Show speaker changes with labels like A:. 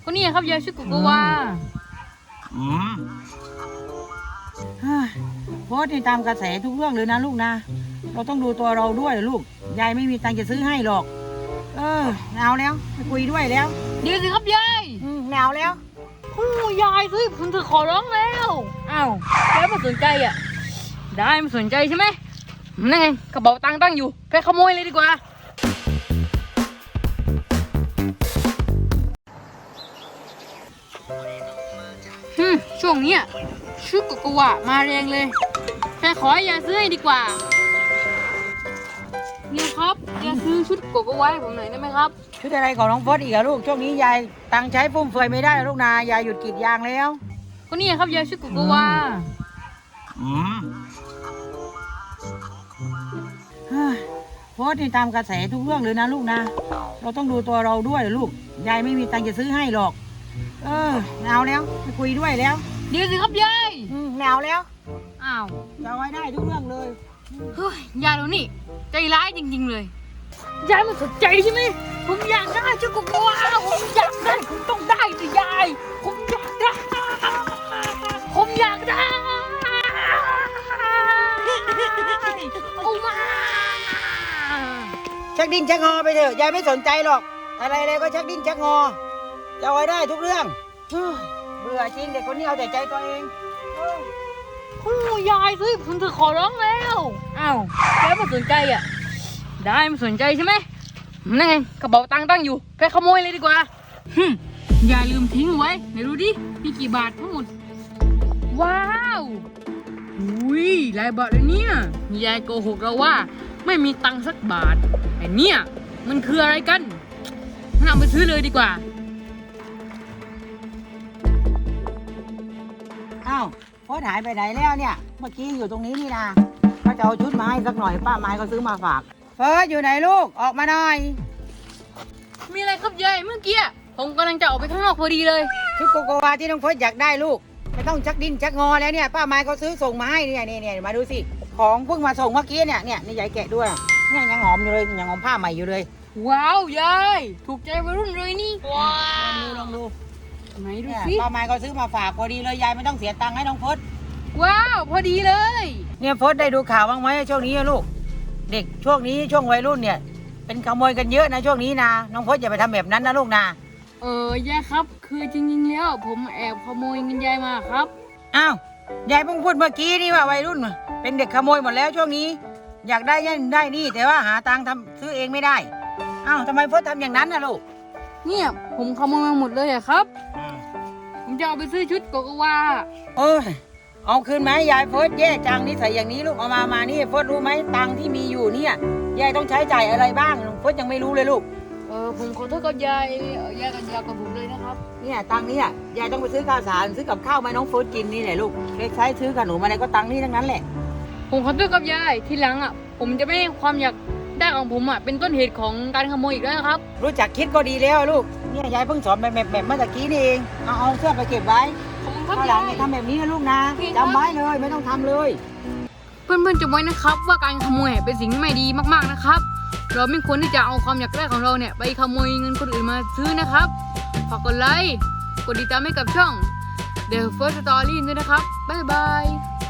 A: ก็นี่ครับยายชื่อกุกกวา
B: โพสต์นี่ตามกระแสทุกเรื่องเลยนะลูกนะเราต้องดูตัวเราด้วยลูกยายไม่มีตังค์จะซื้อให้หรอกไม่เอาแล้วไม่คุยด้วยแล้ว
A: เดี๋ยวสิครับยาย
B: ไม่เอาแล้ว
A: โอ้ยายซื้อผมเธอขอร้องแล้วอ้าวแล้วไม่สนใจอ่ะได้ไม่สนใจใช่ไหมนั่นไงกระเป๋าตังค์ตั้งอยู่ไปขโมยเลยดีกว่าช่วงเนี้ยชุดกุกกวามาแรงเลยแค่ขอให้ยายซื้อให้ดีกว่าเนี่ยครับยายซื้อชุดกุกกวาให้ผมหน่อยได้ไหมครับ
B: ชุดอะไรของน้องโพสต์อีกอะลูกช่วงนี้ยายตังค์ใช้ฟุ่มเฟือยไม่ได้ลูกนายายหยุดกรีดยางแล้ว
A: ก็นี่ครับยายชุดกุกกวา
B: โพสต์นี่ตามกระแสทุกเรื่องเลยนะลูกนะเราต้องดูตัวเราด้วยลูกยายไม่มีตังค์จะซื้อให้หรอกไม่เอาแล้วไม่คุยด้วยแล้ว
A: เดี๋ยวสิครับยาย
B: ไม่เอาแล้ว
A: อ้าว
B: จะเอาไว้ได้ทุกเรื่องเลย
A: เฮ้ยยายเรานี่ใจร้ายจริงๆเลยยายมันสนใจใช่ไหมผมอยากได้ชุดกุกกวาผมอยากได้ผมต้องได้สิยายผมอยากได้ผมอยากได้เอามา
B: ชักดิ้นชักงอไปเถอะยายไม่สนใจหรอกอะไรก็ชักดิ้นชักงอจะเอาไว้ได้ทุกเรื่องเบื่อจริงเด็กคนนี้เอาแต่ใจตัวเอง
A: โอ้ยายซื้อผมเธอขอร้องแล้วอ้าวแล้วไม่สนใจอ่ะได้ไม่สนใจใช่ไหมนั่นไงกระเป๋าตังค์ตั้งอยู่ไปขโมยเลยดีกว่าอย่าลืมทิ้งไว้ไหนดูดิมีกี่บาททั้งหมดว้าวอุ้ยหลายบาทเลยเนี่ยยายโกหกเราว่าไม่มีตังค์สักบาทไอ้เนี่ยมันคืออะไรกันงั้นเอาไปซื้อเลยดีกว่า
B: อ้าวโพสต์หายไปไหนแล้วเนี่ยเมื่อกี้อยู่ตรงนี้นี่นะเขาจะเอาชุดมาให้สักหน่อยป้าไม้เขาซื้อมาฝากเฟิร์สอยู่ไหนลูกออกมาหน่อย
A: มีอะไรครับยายเมื่อกี้ผมกำลังจะออกไปข้างนอกพอดีเลย
B: ชุดโกโกวาที่น้องเฟิร์สอยากได้ลูกไม่ต้องชักดิ้นชักงอแล้วเนี่ยป้าไม้เขาซื้อส่งมาให้เนี่ยมาดูสิของเพิ่งมาส่งเมื่อกี้เนี่ยนี่ยายแกะด้วยเนี่ยยังหอมอยู่เลยยังหอมผ้าใหม่อยู่เลย
A: ว้าวยายถูกใจวัยรุ่นเลยนี่ว้า
B: ลองดู
A: ไหนดู
B: เนี่ย
A: สิ
B: ป้าไม้เขาซื้อมาฝากพอดีเลยยายไม่ต้องเสียตังค์ให้น้องเฟิร์ส
A: ว้าวพอดีเลย
B: เนี่ยเฟิร์สได้ดูข่าวบ้างไหมช่วงนี้ลูกเด็กช่วงนี้ช่วงวัยรุ่นเนี่ยเป็นขโมยกันเยอะนะช่วงนี้นะน้องเฟิร์สอย่าไปทำแบบนั้นนะลูกนะ
A: ยายครับคือจริงๆแล้วผมแอบขโมยเงินยายมาครับ
B: อ้าวยายเพิ่งพูดเมื่อกี้นี่ว่าวัยรุ่นเป็นเด็กขโมยหมดแล้วช่วงนี้อยากได้ยันได้นี่แต่ว่าหาตังค์ทำซื้อเองไม่ได้อ้าวทำไมเฟิร์สทำอย่างนั้นนะลูก
A: เนี่ยผมขโมยมาหมดเลยอะครับผมจะเอาไปซื้อชุดโกโกวา
B: เอาคืนไหมยายเฟิร์สแย่จังนิสัยอย่างนี้ลูกเอามานี่เฟิร์สรู้ไหมตังค์ที่มีอยู่เนี่ยยายต้องใช้จ่ายอะไรบ้างเฟิร์สยังไม่รู้เลยลูก
A: ผมขอโทษกับยายกับผมเลยนะครับ
B: เนี่ยตังค์นี้ยายต้องไปซื้อข้าวสารซื้อกับข้าวมาน้องเฟิร์สกินนี่แหละลูกเล็กใช้ซื้อขนมอะไรก็ตังค์นี่ทั้งนั้นแหละ
A: ผมขอโทษกับยายทีหลังผมจะไม่ให้ความอยากได้ของผมเป็นต้นเหตุของการขโมยอีกแล้วนะครับ
B: รู้จักคิดก็ดีแล้วลูกเนี่ยยายเพิ่งสอนแบบเมื่อกี้นี่เองเอาเสื้อไปเก็บไว้ข้าวหลังเนี่ยทำแบบนี้นะลูกนะจำไว้เลยไม่ต้องทำเลย
A: เพื่อนๆจำไว้นะครับว่าการขโมยเป็นสิ่งที่ไม่ดีมากๆนะครับเราไม่ควรที่จะเอาความอยากได้ของเราเนี่ยไปขโมยเงินคนอื่นมาซื้อนะครับฝากกดไลค์กดติดตามให้กับช่อง The First Story ด้วยนะครับบ๊ายบาย